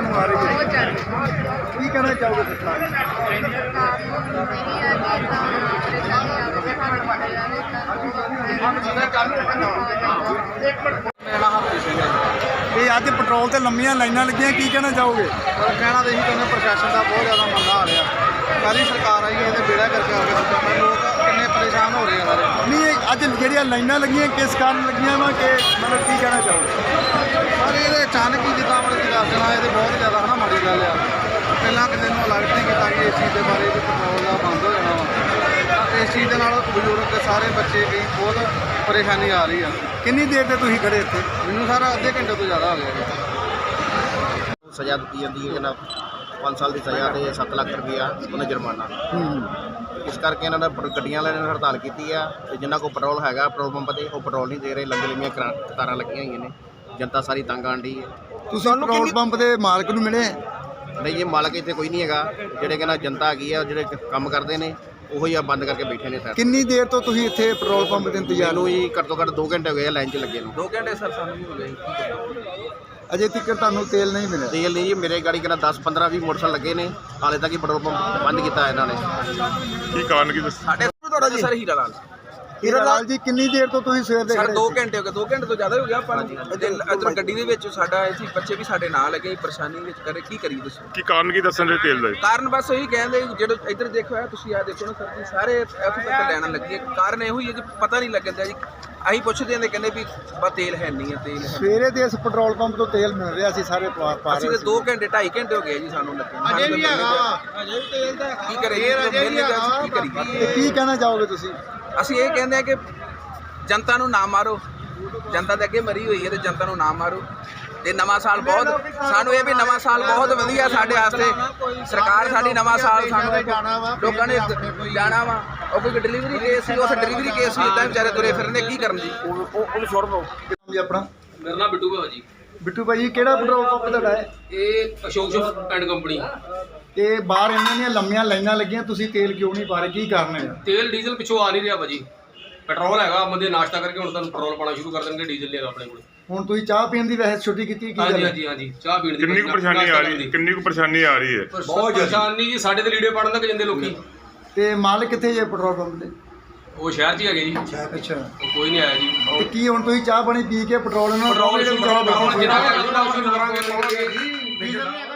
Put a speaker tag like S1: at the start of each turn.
S1: ਨੂੰ ਆ ਰਹੀ
S2: बहुत
S1: है।
S2: ज़्यादा
S1: की कहना चाहोगे सरकार को?
S2: सरकार ਨੂੰ ਮੇਰੀ ਹੈ ਕਿ ਤਾਂ ਪਰੇਸ਼ਾਨੀ ਆਵੇ
S3: ਮੇਰਾ ਨਾਮ ਹਰਪ੍ਰੀਤ ਸਿੰਘ ਹੈ ਜੀ।
S1: ਇਹ ਅੱਜ ਪੈਟਰੋਲ ਤੇ ਲੰਮੀਆਂ ਲਾਈਨਾਂ ਲੱਗੀਆਂ, ਕੀ ਕਹਿਣਾ ਚਾਹੋਗੇ?
S3: ਪਰ ਕਹਿਣਾ ਤਾਂ ਇਹੀ ਕਹਿੰਦੇ ਪ੍ਰਸ਼ਾਸਨ ਦਾ ਬਹੁਤ ਜ਼ਿਆਦਾ ਮੰਦਾ ਆ ਰਿਹਾ। ਸਾਰੀ ਸਰਕਾਰ ਆਈ ਹੈ ਇਹਦੇ ਬੇੜਾ ਕਰਕੇ ਆ ਕੇ ਦਿੱਤਾ, ਲੋਕ ਕਿੰਨੇ ਪਰੇਸ਼ਾਨ ਹੋ ਰਹੇ ਆ ਸਾਰੇ।
S1: ਨਹੀਂ, ਇਹ ਅੱਜ ਜਿਹੜੀਆਂ ਲਾਈਨਾਂ ਲੱਗੀਆਂ ਕਿਸ ਕਾਰਨ ਲੱਗੀਆਂ ਵਾ ਕਿ ਮਤਲਬ ਕੀ ਕਹਿਣਾ ਚਾਹੋਗੇ?
S3: ਪਰ ਇਹਦੇ ਅਚਾਨਕ ਹੀ ਜਿੱਦਾਂ ਮਤਲਬ ਕਿ ਦੱਸ ਦੇਣਾ, ਇਹ ਤਾਂ ਬਹੁਤ ਜ਼ਿਆਦਾ ਹਨਾ ਮਾੜੀ ਗੱਲ ਆ। ਪਹਿਲਾਂ ਕਿਸੇ ਨੂੰ ਅਲਰਟ ਨਹੀਂ ਕੀਤਾ ਕਿ ਇਸ ਚੀਜ਼ ਦੇ ਬਾਰੇ ਵੀ ਪੈਟਰੋਲ ਦਾ ਬੰਦ ਹੋ ਜਾਣਾ ਵਾ। ਤਾਂ ਇਸ ਚੀਜ਼ ਦੇ ਨਾਲ ਬਜ਼ੁਰਗ ਤੇ ਸਾਰੇ ਬੱਚੇ ਵੀ ਬਹੁਤ ਪਰੇਸ਼ਾਨੀ ਆ ਰਹੀ ਆ।
S1: ਕਿੰਨੀ ਦੇਰ ਤੇ ਤੁਸੀਂ ਖੜੇ ਇੱਥੇ?
S3: ਮੈਨੂੰ ਸਾਰਾ ਅੱਧੇ ਘੰਟੇ ਤੋਂ ਜ਼ਿਆਦਾ ਹੋ ਗਿਆ ਜੀ।
S4: ਸਜ਼ਾ ਦਿੱਤੀ ਜਾਂਦੀ ਹੈ ਕਿ ਨਾ 5 ਸਾਲ ਦੀ ਸਜ਼ਾ ਤੇ 7 ਲੱਖ ਰੁਪਈਆ ਉਹਨੇ ਜੁਰਮਾਨਾ। ਇਸ ਕਰਕੇ ਇਹਨਾਂ ਨੇ ਗੱਡੀਆਂ ਵਾਲਿਆਂ ਨੇ ਹੜਤਾਲ ਕੀਤੀ ਆ ਤੇ ਜਿਨ੍ਹਾਂ ਕੋਲ ਪੈਟਰੋਲ ਹੈਗਾ ਪੈਟਰੋਲ ਪੰਪ ਤੇ ਉਹ ਪੈਟਰੋਲ ਨਹੀਂ ਦੇ ਰਹੇ। ਲੰਬੀ ਲੰਬੀਆਂ ਕਤਾਰਾਂ ਲੱਗੀਆਂ ਹੋਈਆਂ ਨੇ, ਜਨਤਾ ਸਾਰੀ ਤੰਗ ਆਉਣ ਡਈ ਹੈ।
S1: ਤੁਸੀਂ ਪੈਟਰੋਲ ਪੰਪ ਦੇ ਮਾਲਕ ਨੂੰ ਮਿਲੇ?
S4: ਨਹੀਂ, ਇਹ ਮਾਲਕ ਇੱਥੇ ਕੋਈ ਨਹੀਂ ਹੈਗਾ। ਜਿਹੜੇ ਕਹਿੰਦਾ ਜਨਤਾ ਹੈਗੀ ਆ, ਜਿਹੜੇ ਕੰਮ ਕਰਦੇ ਨੇ ਉਹੀ ਆ ਬੰਦ ਕਰਕੇ ਬੈਠੇ ਨੇ। ਸਰ
S1: ਕਿੰਨੀ ਦੇਰ ਤੋਂ ਤੁਸੀਂ ਇੱਥੇ ਪੈਟਰੋਲ ਪੰਪ ਦੇ ਇੰਤਜ਼ਾਰ?
S4: ਨੂੰ ਜੀ ਘੱਟ ਤੋਂ ਘੱਟ 2 ਘੰਟੇ ਹੋ ਗਏ ਆ ਲਾਈਨ 'ਚ ਲੱਗੇ ਨੂੰ।
S3: 2 ਘੰਟੇ ਸਰ ਸਾਨੂੰ ਵੀ ਹੋ ਗਏ।
S1: ਅਜੇ ਤੱਕ ਤੁਹਾਨੂੰ ਤੇਲ ਨਹੀਂ ਮਿਲਿਆ?
S4: ਤੇਲ ਨਹੀਂ ਜੀ, ਮੇਰੇ ਗਾੜੀ ਕਹਿੰਦਾ 10 15 20 ਮੋਟਰਸਾਈਕਲ ਲੱਗੇ ਨੇ, ਹਾਲੇ ਤੱਕ ਹੀ ਪੈਟਰੋਲ ਪੰਪ ਬੰਦ ਕੀਤਾ ਇਹਨਾਂ ਨੇ।
S5: ਕੀ ਕਾਰਨ ਕੀ ਦੱਸ?
S3: ਸਾਡੇ ਤੁਹਾਡਾ ਜੀ ਸਰ ਹੀਰਾ ਲਾਲ।
S1: ਹੀਰਾ ਲਾਲ ਜੀ, ਕਿੰਨੀ ਦੇਰ ਤੋਂ ਤੁਸੀਂ ਸਵੇਰ ਦੇ
S3: ਸਰ
S1: ਖੜੇ?
S3: 2 ਘੰਟੇ ਹੋ ਗਏ, 2 ਘੰਟੇ ਤੋਂ ਜ਼ਿਆਦਾ ਹੋ ਗਿਆ ਆਪਾਂ ਨੂੰ। ਇੱਧਰ ਗੱਡੀ ਦੇ ਵਿੱਚ ਸਾਡਾ ਇੱਥੇ ਬੱਚੇ ਵੀ ਸਾਡੇ ਨਾਲ ਲੱਗੇ, ਪਰੇਸ਼ਾਨੀ ਵਿੱਚ ਕਰੇ ਕੀ ਕਰੀਏ ਦੱਸੋ।
S5: ਕੀ ਕਾਰਨ ਕੀ ਦੱਸਣ ਦੇ ਤੇਲ ਦਾ?
S3: ਕਾਰਨ ਬਸ ਇਹੀ ਕਹਿੰਦੇ ਜਿਹੜੇ ਇੱਧਰ ਦੇਖੋ ਆ ਤੁਸੀਂ, ਆ ਦੇਖੋ ਨਾ ਸਰ ਜੀ, ਸਾਰੇ ਇੱਥੇ ਤੱਕ ਲੈਣ ਲੱਗੇ। ਕਾਰਨ ਇਹੋ ਹੀ ਹੈ ਜੀ, ਪਤਾ ਨਹੀਂ ਲੱਗਦਾ ਜੀ। ਅਸੀਂ ਪੁੱਛਦੇ ਹਾਂ ਤੇ ਕਹਿੰਦੇ ਵੀ ਬਸ ਤੇਲ ਹੈ ਨਹੀਂ ਹੈ, ਤੇਲ ਹੈ।
S1: ਸਵੇਰੇ ਦੇ ਇਸ ਪੈਟਰੋਲ ਪੰਪ ਤੋਂ ਤੇਲ ਮਿਲ ਰਿਹਾ ਸੀ, ਸਾਰੇ ਪਾ
S3: ਅਸੀਂ
S1: ਰਹੇ
S3: ਤਾਂ 2 ਘੰਟੇ 2.5 ਘੰਟੇ ਹੋ ਗਏ ਜੀ ਸਾਨੂੰ ਲੱਗੇ।
S4: ਅਜੇ ਵੀ ਹੈਗਾ
S3: ਅਜੇ ਵੀ ਤੇਲ ਦਾ ਕੀ ਕਰੀਏ, ਕੀ ਕਰੀਏ।
S1: ਤੇ ਕੀ ਕਹਿਣਾ ਚਾਹੋਗੇ ਤੁਸੀਂ?
S3: ਅਸੀਂ ਇਹ ਕਹਿੰਦੇ ਆ ਕਿ ਜਨਤਾ ਨੂੰ ਨਾ ਮਾਰੋ। ਜਨਤਾ ਦੇ ਅੱਗੇ ਮਰੀ ਹੋਈ ਹੈ ਤੇ ਜਨਤਾ ਨੂੰ ਨਾ ਮਾਰੋ। ਤੇ ਨਵਾਂ ਸਾਲ ਬਹੁਤ, ਸਾਨੂੰ ਇਹ ਵੀ ਨਵਾਂ ਸਾਲ ਬਹੁਤ ਵਧੀਆ ਸਾਡੇ ਵਾਸਤੇ। ਸਰਕਾਰ ਸਾਡੀ ਨਵਾਂ ਸਾਲ ਸਾਨੂੰ ਲੋਕਾਂ ਨੇ ਜਾਣਾ ਵਾ। ਉਹ ਕੋਈ ਡਿਲੀਵਰੀ ਕੇਸ ਸੀ, ਉਸ ਡਿਲੀਵਰੀ ਕੇਸ ਵੀ ਇੱਦਾਂ ਵਿਚਾਰੇ ਤੁਰੇ ਫਿਰਦੇ, ਕੀ ਕਰਨ ਜੀ।
S4: ਉਹਨੂੰ ਛੋੜ ਦਿਓ।
S1: ਜੀ ਆਪਣਾ?
S6: ਮੇਰਾ ਨਾਮ ਬਿੱਟੂ ਹੈ ਜੀ।
S1: ਬਿੱਟੂ ਭਾਈ, ਕਿਹੜਾ ਪੈਟਰੋਲ ਪੰਪ ਤੁਹਾਡਾ ਹੈ?
S6: ਇਹ ਅਸ਼ੋਕ ਸ਼ਿਪ ਐਂਡ ਕੰਪਨੀ।
S1: ਤੇ ਬਾਹਰ ਇੰਨੀਆਂ ਲੰਮੀਆਂ ਲਾਈਨਾਂ ਲੱਗੀਆਂ, ਤੁਸੀਂ ਤੇਲ ਕਿਉਂ ਨਹੀਂ ਪਾ ਰਹੇ, ਕੀ ਕਾਰਨ ਹੈ?
S6: ਤੇਲ ਡੀਜ਼ਲ ਪਿੱਛੋਂ ਆ ਨਹੀਂ ਰਿਹਾ ਭਾਜੀ। ਪੈਟਰੋਲ ਹੈਗਾ, ਬੰਦੇ ਨਾਸ਼ਤਾ ਕਰਕੇ ਹੁਣ ਤੁਹਾਨੂੰ ਪੈਟਰੋਲ ਪਾਣਾ ਸ਼ੁਰੂ ਕਰ ਦੇਣਗੇ, ਡੀਜ਼ਲ ਨਹੀਂ ਹੈਗਾ ਆਪਣੇ ਕੋਲ।
S1: ਹੁਣ ਤੁਸੀਂ ਚਾਹ ਪੀਣ ਦੀ ਵੈਸੇ ਛੁੱਟੀ ਕੀਤੀ, ਕੀ
S6: ਹਾਂਜੀ
S1: ਗੱਲ?
S6: ਹਾਂਜੀ ਹਾਂਜੀ, ਚਾਹ ਪੀਣ ਦੀ
S5: ਕਿੰਨੀ ਕੁ ਪਰੇਸ਼ਾਨੀ ਆ ਰਹੀ? ਕਿੰਨੀ ਕੁ ਪਰੇਸ਼ਾਨੀ ਆ ਰਹੀ ਹੈ?
S6: ਬਹੁਤ ਪਰੇਸ਼ਾਨੀ ਜੀ, ਸਾਡੇ ਤੇ ਲੀੜੇ ਪੜਨ ਲੱਗ ਜਾਂਦੇ ਲੋਕੀ।
S1: ਤੇ ਮਾਲਕ ਕਿੱਥੇ ਜੇ ਪੈਟਰੋਲ ਪੰਪ ਦੇ?
S6: ਉਹ ਸ਼ਹਿਰ 'ਚ ਹੀ ਹੈਗੇ ਜੀ,
S1: ਅੱਛਾ,
S6: ਉਹ ਕੋਈ ਨਹੀਂ ਆਇਆ ਜੀ।
S1: ਤੇ ਕੀ ਹੁਣ ਤੁਸੀਂ ਚਾਹ ਪਾਣੀ ਪੀ ਕੇ ਪੈਟਰੋਲ ਨੂੰ
S6: ਪੈਟਰੋਲ ਸ਼ੁਰੂ ਕਰਾਂਗੇ, ਡੀਜ਼ਲ ਨਹੀਂ ਹੈਗਾ।